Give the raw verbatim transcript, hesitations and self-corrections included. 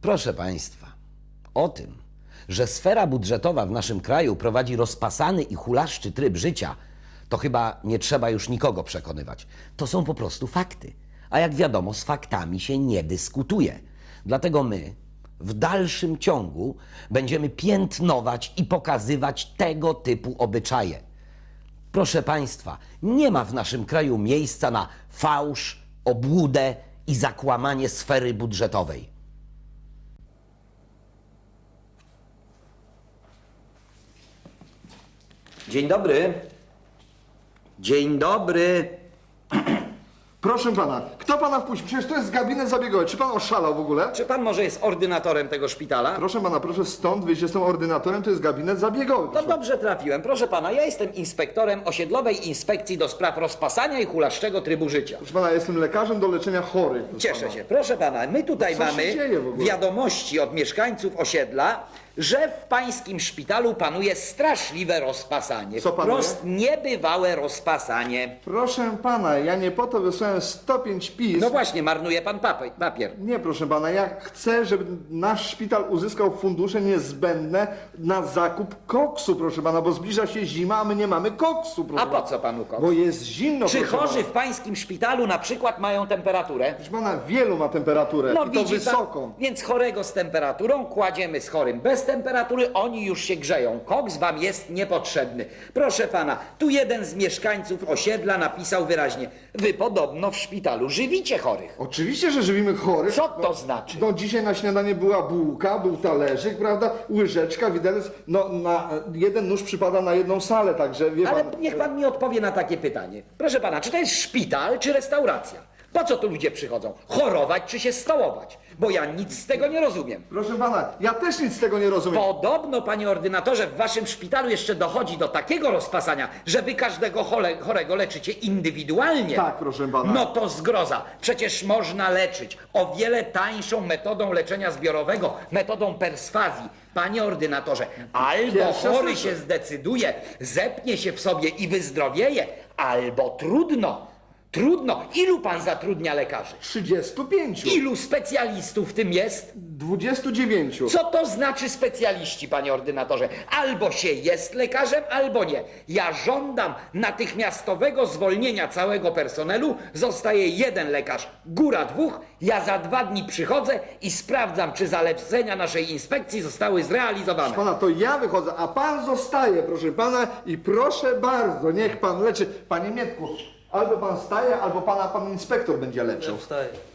Proszę Państwa, o tym, że sfera budżetowa w naszym kraju prowadzi rozpasany i hulaszczy tryb życia, to chyba nie trzeba już nikogo przekonywać. To są po prostu fakty. A jak wiadomo, z faktami się nie dyskutuje. Dlatego my w dalszym ciągu będziemy piętnować i pokazywać tego typu obyczaje. Proszę Państwa, nie ma w naszym kraju miejsca na fałsz, obłudę i zakłamanie sfery budżetowej. Dzień dobry. Dzień dobry. Proszę pana, kto pana wpuścił? Przecież to jest gabinet zabiegowy. Czy pan oszalał w ogóle? Czy pan może jest ordynatorem tego szpitala? Proszę pana, proszę stąd wyjść, jestem ordynatorem, to jest gabinet zabiegowy. To Proszę. dobrze trafiłem. Proszę pana, ja jestem inspektorem osiedlowej inspekcji do spraw rozpasania i hulaszczego trybu życia. Proszę pana, jestem lekarzem do leczenia chorych. proszę Cieszę pana. się. Proszę pana, my tutaj No co się mamy dzieje w ogóle? wiadomości od mieszkańców osiedla, że w pańskim szpitalu panuje straszliwe rozpasanie. Co panuje? Wprost niebywałe rozpasanie. Proszę pana, ja nie po to wysłałem sto pięć pism. No właśnie, marnuje pan papier. papier. Nie, proszę pana, ja chcę, żeby nasz szpital uzyskał fundusze niezbędne na zakup koksu, proszę pana, bo zbliża się zima, a my nie mamy koksu, proszę A po pana. co panu koks? Bo jest zimno, Czy proszę chorzy pana. w pańskim szpitalu na przykład mają temperaturę? Proszę pana, wielu ma temperaturę No i to widzi wysoką. pan, więc chorego z temperaturą kładziemy z chorym bez temperatury, oni już się grzeją. Koks wam jest niepotrzebny. Proszę pana, tu jeden z mieszkańców osiedla napisał wyraźnie: wy podobno w szpitalu żywicie chorych. Oczywiście, że żywimy chorych. Co to znaczy? No dzisiaj na śniadanie była bułka, był talerzyk, prawda, łyżeczka, widelec, no na jeden nóż przypada na jedną salę, także wie Ale pan... niech pan mi odpowie na takie pytanie. Proszę pana, czy to jest szpital, czy restauracja? Po co tu ludzie przychodzą? Chorować czy się stołować? Bo ja nic z tego nie rozumiem. Proszę pana, ja też nic z tego nie rozumiem. Podobno, panie ordynatorze, w waszym szpitalu jeszcze dochodzi do takiego rozpasania, że wy każdego chole, chorego leczycie indywidualnie. Tak, proszę pana. No to zgroza. Przecież można leczyć o wiele tańszą metodą leczenia zbiorowego, metodą perswazji. Panie ordynatorze, albo Pierwsze chory słyszę. się zdecyduje, zepnie się w sobie i wyzdrowieje, albo trudno. Trudno. Ilu pan zatrudnia lekarzy? trzydziestu pięciu. Ilu specjalistów w tym jest? dwudziestu dziewięciu. Co to znaczy specjaliści, panie ordynatorze? Albo się jest lekarzem, albo nie. Ja żądam natychmiastowego zwolnienia całego personelu. Zostaje jeden lekarz, góra dwóch. Ja za dwa dni przychodzę i sprawdzam, czy zalecenia naszej inspekcji zostały zrealizowane. Pana, to ja wychodzę, a pan zostaje, proszę pana, i proszę bardzo, niech pan leczy. Panie Mietku, albo pan staje, albo pana pan inspektor będzie leczył. Wstaję.